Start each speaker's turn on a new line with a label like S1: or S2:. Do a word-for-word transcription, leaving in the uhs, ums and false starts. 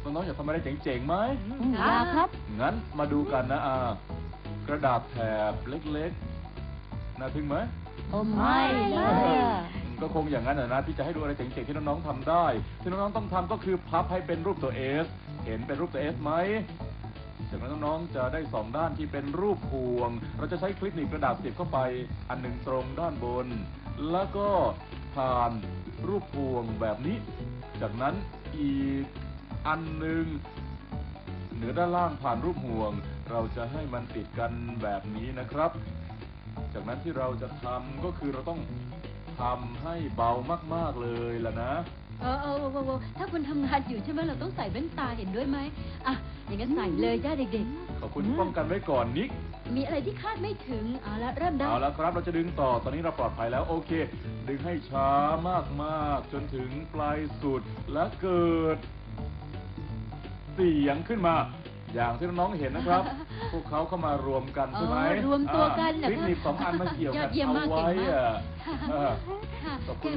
S1: น้องๆอยากทำอะไรเจ๋งๆไหม
S2: อยากครับ
S1: งั้นมาดูกันนะอ่ากระดาษแถบเล็กๆน่าทึ่งไหม
S2: โอ้ไม่เลย
S1: ก็คงอย่างนั้นนะที่จะให้ดูอะไรเจ๋งๆที่น้องๆทำได้ที่น้องๆต้องทำก็คือพับให้เป็นรูปตัวเอสเห็นเป็นรูปตัวเอสไหมจากนั้นน้องๆจะได้สองด้านที่เป็นรูปพวงเราจะใช้คลิปหนีบกระดาษเสียบเข้าไปอันหนึ่งตรงด้านบน แล้วก็ผ่านรูปพวงแบบนี้จากนั้นอีกอันหนึ่งเหนือด้านล่างผ่านรูปห่วงเราจะให้มันติดกันแบบนี้นะครับจากนั้นที่เราจะทำก็คือเราต้องทำให้เบามากๆเลยล่ะนะ
S3: เออเออเออถ้าคุณทำงานอยู่ใช่ไหมเราต้องใส่แว่นตาเห็นด้วยไหมอ่ะอย่างนั้นใส่เลยจ้าเด็ก
S1: ขอบคุณที่ป้องกันไว้ก่อนนิก
S3: ๆ มีอะไรที่คาดไม่ถึงเอาละเริ่มได้
S1: เอาละครับเราจะดึงต่อตอนนี้เราปลอดภัยแล้วโอเค ดึงให้ช้ามากๆจนถึงปลายสุดและเกิด เสียงขึ้นมา อย่างที่น้องๆเห็นนะครับ พวกเขาเข้ามารวมกันใช่ไหม
S3: อ๋อรวมตัวกัน
S1: อ่า
S3: นะ
S1: คลิปหนีบสองอันมาเกี่ยวกัน
S3: ยอดเยี่ยม
S1: เอา
S3: มาก
S1: ไว้
S3: เก่งมาก
S1: อ่ะ
S3: ค่ะ
S1: เออ
S3: ค่ะ
S1: ขอบคุณ